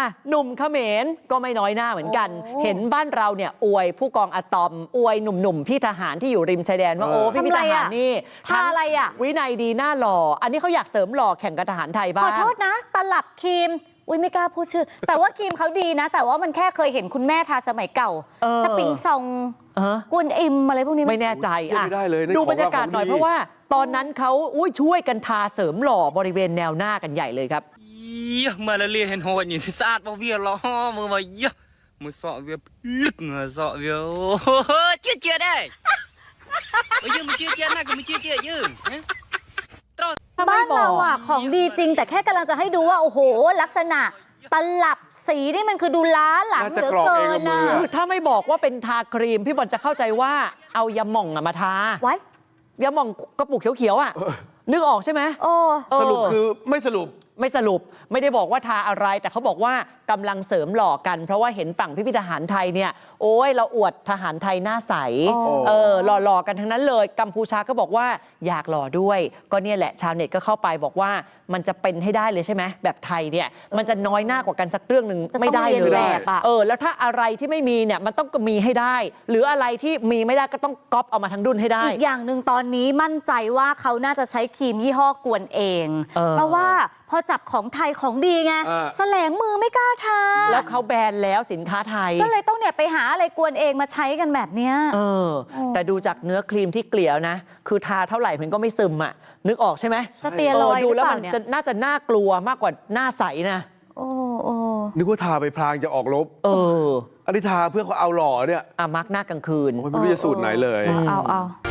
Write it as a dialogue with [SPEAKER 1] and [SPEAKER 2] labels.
[SPEAKER 1] หนุ่มเขมรก็ไม่น้อยหน้าเหมือนกันเห็นบ้านเราเนี่ยอวยผู้กองอะตอมอวยหนุ่มๆพี่ทหารที่อยู่ริมชายแดนว่าโอ้พี่ทหารนี่
[SPEAKER 2] ทาอะไรอ่ะ
[SPEAKER 1] วินัยดีหน้าหล่ออันนี้เขาอยากเสริมหล่อแข่งกับทหารไทยบ้าง
[SPEAKER 2] ขอโทษนะตลับครีมอุ้ยไม่กล้าพูดชื่อแต่ว่าครีมเขาดีนะแต่ว่ามันแค่เคยเห็นคุณแม่ทาสมัยเก่าสปริงซองกวนอิมอะไรพวกนี้
[SPEAKER 1] ไม่แน่ใจอ่ะ
[SPEAKER 3] เลย
[SPEAKER 1] ดูบรรยากาศหน่อยเพราะว่าตอนนั้นเขาช่วยกันทาเสริมหล่อบริเวณแนวหน้ากันใหญ่เลยครับ
[SPEAKER 4] มาละเลียเห็นหัวอยู่ที่สะอาดบ่เวียล้อมือมาเยอะมือสอเวียลึกเงาสอเวียเจี๊ยเจี๊ยได้ไปยืมมือเจี๊ยเจี๊ยน่าก็มือเจี๊ยเจี๊ยยืม
[SPEAKER 2] บ้านเราอ่ะของดีจริงแต่แค่กำลังจะให้ดูว่าโอ้โหลักษณะตลับสีนี่มันคือดูล้าหลังเหลือเกินนะ
[SPEAKER 1] ถ้าไม่บอกว่าเป็นทาครีมพี่บอลจะเข้าใจว่าเอายาหม่องมาทา
[SPEAKER 2] ไว้
[SPEAKER 1] ยาหม่องกระปุกเขียวๆอ่ะนึกออกใช่ไหม
[SPEAKER 3] สรุปคือไม่สรุป
[SPEAKER 1] ไม่ได้บอกว่าทาอะไรแต่เขาบอกว่ากำลังเสริมหล่อกันเพราะว่าเห็นฝั่งพี่ทหารไทยเนี่ยโอ้ยเราอวดทหารไทยหน้าใสหล่อกันทั้งนั้นเลยกัมพูชาก็บอกว่าอยากหล่อด้วยก็เนี่ยแหละชาวเน็ตก็เข้าไปบอกว่ามันจะเป็นให้ได้เลยใช่ไหมแบบไทยเนี่ยมันจะน้อยหน้ากว่ากันสักเรื่องหนึ่งไม่ได้เลยแล้วถ้าอะไรที่ไม่มีเนี่ยมันต้องมีให้ได้หรืออะไรที่มีไม่ได้ก็ต้องก๊อปเอามาทั้งดุนให้ได้
[SPEAKER 2] อีกอย่างหนึ่งตอนนี้มั่นใจว่าเขาน่าจะใช้ครีมยี่ห้อกวนเองเพราะว่าพอจับของไทยของดีไงแสลงมือไม่กล้าทา
[SPEAKER 1] แล้วเขาแบนแล้วสินค้าไทย
[SPEAKER 2] ก็เลยต้องเนี่ยไปหาอะไรกวนเองมาใช้กันแบบเนี้ย
[SPEAKER 1] แต่ดูจากเนื้อครีมที่เกลี่ยนะคือทาเท่าไหร่มันก็ไม่ซึมอ่ะนึกออกใช่ไหม
[SPEAKER 2] สเตียรอยด์
[SPEAKER 1] ดูแล้วมันจะน่าจะน่ากลัวมากกว่าหน้าใสนะ
[SPEAKER 3] นึกว่าทาไปพลางจะออกลบอันนี้ทาเพื่อเขาเอาหล่อเนี่ย
[SPEAKER 1] มาร์กหน้ากลางคืน
[SPEAKER 3] ไม่รู้จะสูตรไหนเลย
[SPEAKER 2] เอา